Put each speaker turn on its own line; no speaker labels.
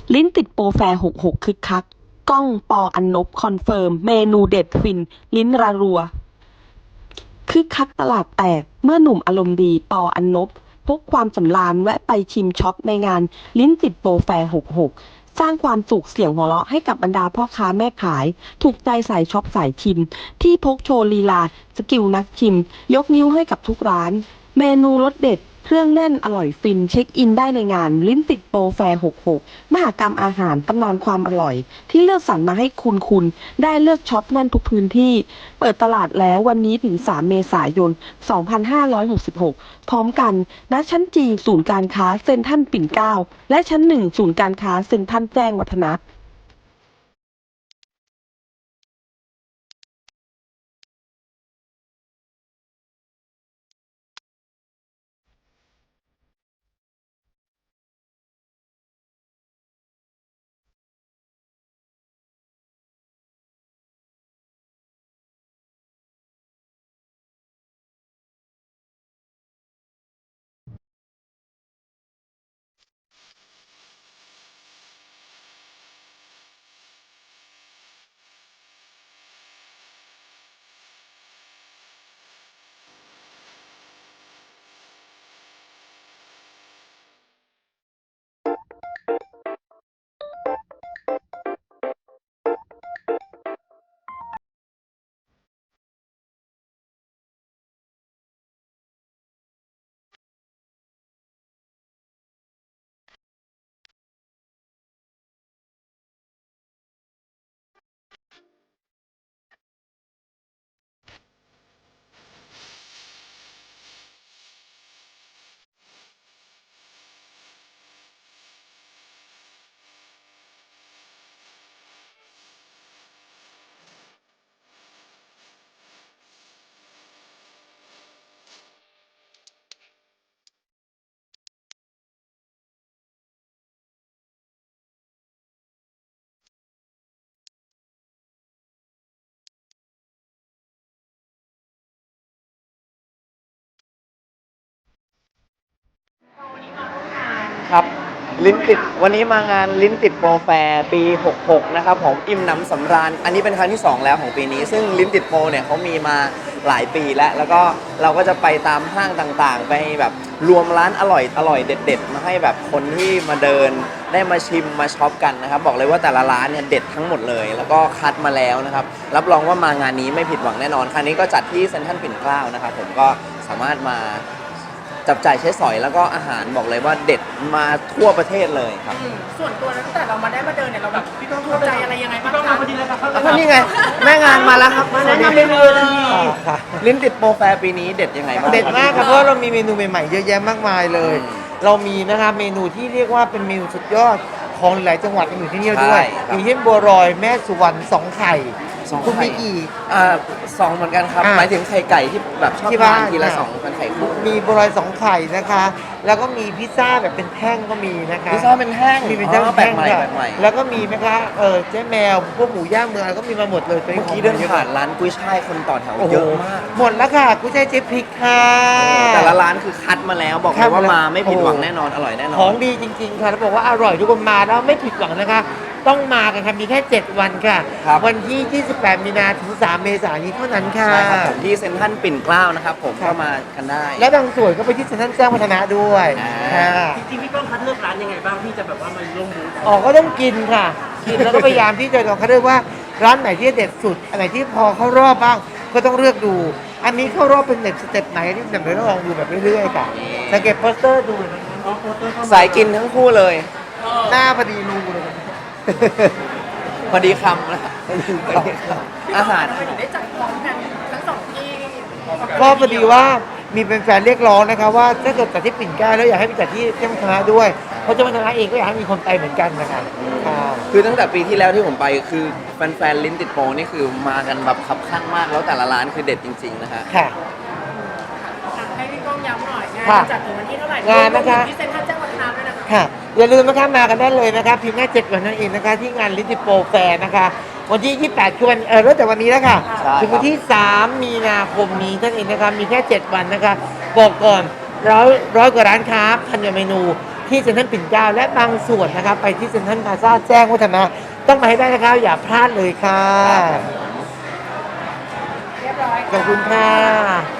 ลิ้นติดโปรแฟร์66คึกคักก้องปออันนบคอนเฟิร์มเมนูเด็ดฟินลิ้นระรัวคึกคักตลาดแตกเมื่อหนุ่มอารมณ์ดีปออันนบพกความสำราญแวะไปชิมช็อปในงานลิ้นติดโปรแฟร์66สร้างความสุขเสียงหัวเราะให้กับบรรดาพ่อค้าแม่ขายถูกใจสายช็อปสายชิมที่พกโชว์ลีลาสกิลนักชิมยกนิ้วให้กับทุกร้านเมนูรสเด็ดเครื่องแน่นอร่อยฟินเช็คอินได้ในงานลิ้นติดโปรแฟร์66มหกรรมอาหารตำนานความอร่อยที่เลือกสรรมาให้คุณได้เลือกช็อปแน่นทุกพื้นที่เปิดตลาดแล้ววันนี้ถึง3เมษายน2566พร้อมกันณชั้นจีศูนย์การค้าเซ็นทรัลปิ่นเกล้าและชั้น1ศูนย์การค้าเซ็นทรัลแจ้งวัฒนะ
ครับลิ้นติดวันนี้มางานลิ้นติดโปรแฟร์ปี66นะครับผมอิ่มหนำสำราญอันนี้เป็นครั้งที่2แล้วของปีนี้ซึ่งลิ้นติดโปรเนี่ยเขามีมาหลายปีแล้วก็เราก็จะไปตามห้างต่างๆไปแบบรวมร้านอร่อยเด็ดๆมาให้แบบคนที่มาเดินได้มาชิมมาช็อปกันนะครับบอกเลยว่าแต่ละร้านเนี่ยเด็ดทั้งหมดเลยแล้วก็คัดมาแล้วนะครับรับรองว่ามางานนี้ไม่ผิดหวังแน่นอนครั้งนี้ก็จัดที่เซ็นทรัลปิ่นเกล้านะครับผมก็สามารถมาจับจ่ายใช้สอยแล้วก็อาหารบอกเลยว่าเด็ดมาทั่วประเทศเลยครับ
ส่วนตัวแล้วตั้งแต่เรามาได้มาเดินเนี่ยเราแบบถูกใจอะไรยังไงบ้างคะ
ก็นี่ไงแม่งานมาแล้วครับมาแนะนำเมนูลิ้นติดโปรแฟร์ปีนี้เด็ดยังไงบ้าง
เด็ดมากครับเพราะเรามีเมนูใหม่ๆเยอะแยะมากมายเลยเรามีนะครับเมนูที่เรียกว่าเป็นเมนูสุดยอดของหลายจังหวัดอยู่ที่นี่ด้วยอย่างเช่นบัวลอยแม่สุวรรณสองไข่คุณมีกี่
สองเหมือนกันครับหมายถึงไข่ไก่ที่แบบชอบทานทีละสองเป็นไข่คู่
มีบัวลอยสองไข่นะคะแล้วก็มีพิซซ่าแบบเป็นแท่งก็มีนะคะ
พิซซ่าเป็นแท่ง
มีเป็นแท่ง
แปลกใหม่
แล้วก็มีนะคะเจ๊แมวพวกหมูย่างเมืองก็มีมาหมดเลย
เมื่อกี้เดินผ่านร้านกุ้ยช่ายคนต่อแถวเยอะมาก
หมดแล้วค่ะกุ้ยช่ายเจ๊พริกค่ะ
แต่ละร้านคือคัดมาแล้วบอกเลยว่ามาไม่ผิดหวังแน่นอนอร่อยแน่นอน
ของดีจริงๆค่ะแล้วบอกว่าอร่อยทุกคนมาแล้วไม่ผิดหวังนะคะต้องมากันค่ะมีแค่7วันค่ะวันที่28มีนาถึง3เมษายนนี้เท่านั้นค่ะ
ใช่ครับผมที่เซ็นทรัลปิ่นเกล้านะครับผมเข้ามากันได้
และบางส่วนก็ไปที่เซ็นทรัลแจ้งวัฒนะด้วย
จริงๆพี่ก้องคัดเลือกร้านยังไงบ้างที่จะแบบว่ามันร่วมบูธ
ก็ต้องกินค่ะกินแล้วก็พยายามที่จะลองคัดเลือกว่าร้านไหนที่เด็ดสุดอันไหนที่พอเข้ารอบบ้างก็ต้องเลือกดูอันนี้เข้ารอบเป็นสเต็ปไหนที่แบบเราลองดูแบบเรื่อยๆค่ะสังเกตโปสเตอร์ดู
สายกินทั้งคู่เลย
หน้าพอดีรูเลย
พอดีคำนะอาหาร
ได้จัดพร้อมกันทั้งสองที่
ก็พอดีว่ามีแฟนๆเรียกร้องนะคะว่าถ้าเกิดจัดที่ปิ่นเกล้าแล้วอยากให้ไปจัดที่เจ้าคณะด้วยเพราะเจ้าคณะเองก็อยากให้มีคนไปเหมือนกันนะคะ
คือตั้งแต่ปีที่แล้วที่ผมไปคือแฟนๆลิ้นติดโปรนี่คือมากันแบบขับข้างมากแล้วแต่ละร้านคือเด็ดจริงๆนะฮะ
ค่ะ
ให้พี่ก้องย้ำหน่อยงานจัดถึงวันที่เท่าไหร่
งานนะคะ
ที่เซ็นทรัลแจ้งวัฒนะด้วยนะคะ
ค่ะอย่าลืมนะคะมากันได้เลยนะคะเพียงแค่7วันนั่นเองนะคะที่งานลิ้นติดโปรแฟร์นะคะวันที่28ชวนเริ่มแต่วันนี้แล้วค่ะถึงวันที่3มีนาคมนี้นั่นเองนะคะมีแค่7วันนะคะบอกก่อนร้อยกว่าร้านค้าพันกว่าเมนูที่เซ็นทรัลปิ่นเกล้าและบางส่วนนะครับไปที่เซ็นทรัลพลาซ่าแจ้งวัฒนะต้องมาให้ได้นะครับอย่าพลาดเลยค่ะ
เรียบร้อย
ขอบคุณค่ะ